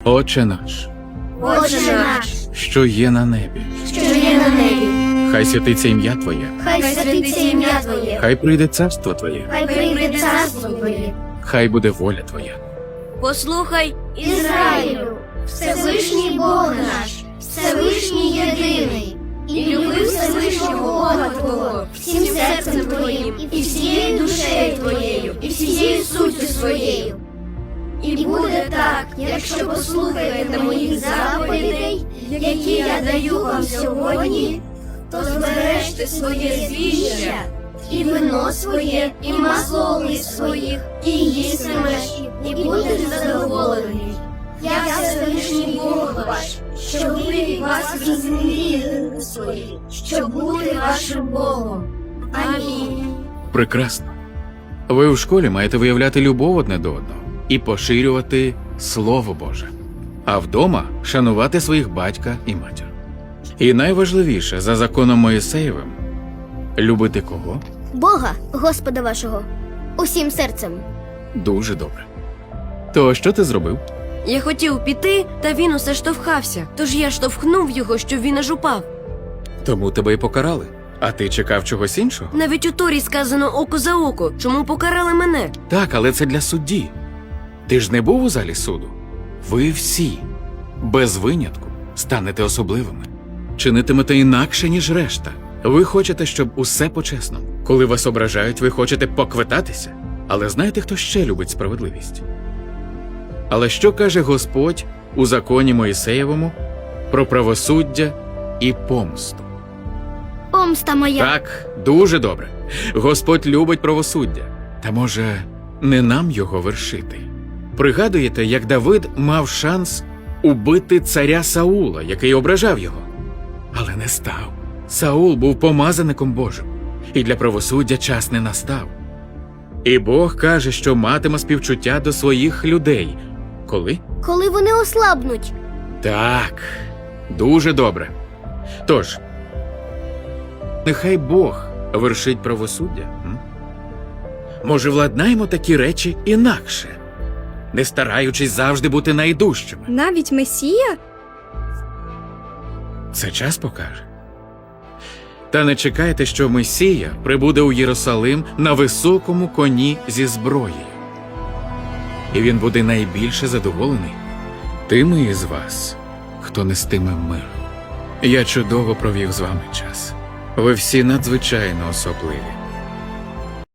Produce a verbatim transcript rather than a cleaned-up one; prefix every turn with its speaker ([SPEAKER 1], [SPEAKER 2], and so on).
[SPEAKER 1] Отче наш,
[SPEAKER 2] Отче наш,
[SPEAKER 1] що є на небі,
[SPEAKER 2] що є на небі,
[SPEAKER 1] хай святиться ім'я Твоє,
[SPEAKER 2] хай святиться ім'я Твоє,
[SPEAKER 1] хай прийде царство Твоє,
[SPEAKER 2] хай прийде царство Твоє.
[SPEAKER 1] хай буде воля Твоя.
[SPEAKER 3] Послухай,
[SPEAKER 2] Ізраїлю, Всевишній Бог наш, Всевишній єдиний, і люби Всевишнього Бога Твого всім серцем Твоїм, і всією душею Твоєю, і всією суттю своєю. І буде так, якщо послухаєте моїх заповідей, які я даю вам сьогодні, то збережте своє звіща, і вино своє, і масло олив своїх, і їстимеш, і будеш задоволений. Я Всевишній Бог ваш, що вивів вас із землі свої, щоб бути вашим Богом. Амінь.
[SPEAKER 1] Прекрасно. Ви в школі маєте виявляти любов одне до одного і поширювати Слово Боже. А вдома шанувати своїх батька і матір. І найважливіше, за законом Моїсеєвим, любити кого?
[SPEAKER 4] Бога, Господа вашого, усім серцем.
[SPEAKER 1] Дуже добре. То що ти зробив?
[SPEAKER 3] я хотів піти, та він усе штовхався. Тож я штовхнув його, щоб він аж упав.
[SPEAKER 1] Тому тебе й покарали. А ти чекав чогось іншого?
[SPEAKER 3] Навіть у Торі сказано око за око. Чому покарали мене?
[SPEAKER 1] Так, але це для судді. Ти ж не був у залі суду? Ви всі, без винятку, станете особливими. Чинитимете інакше, ніж решта. Ви хочете, щоб усе по-чесному. Коли вас ображають, ви хочете поквитатися. Але знаєте, хто ще любить справедливість? Але що каже Господь у законі Моїсеєвому про правосуддя і помсту?
[SPEAKER 4] Помста моя.
[SPEAKER 1] Так, дуже добре. Господь любить правосуддя. Та може, не нам його вершити? Пригадуєте, як Давид мав шанс убити царя Саула, який ображав його? Але не став. Саул був помазаником Божим, і для правосуддя час не настав. І Бог каже, що матиме співчуття до своїх людей. Коли?
[SPEAKER 4] Коли вони ослабнуть.
[SPEAKER 1] Так, дуже добре. Тож, нехай Бог вершить правосуддя. М? Може, владнаємо такі речі інакше, не стараючись завжди бути найдужчими.
[SPEAKER 5] Навіть Месія?
[SPEAKER 1] Це час покаже. Та не чекайте, що Месія прибуде у Єрусалим на високому коні зі зброєю. І він буде найбільше задоволений тими із вас, хто нестиме мир. Я чудово провів з вами час. Ви всі надзвичайно особливі.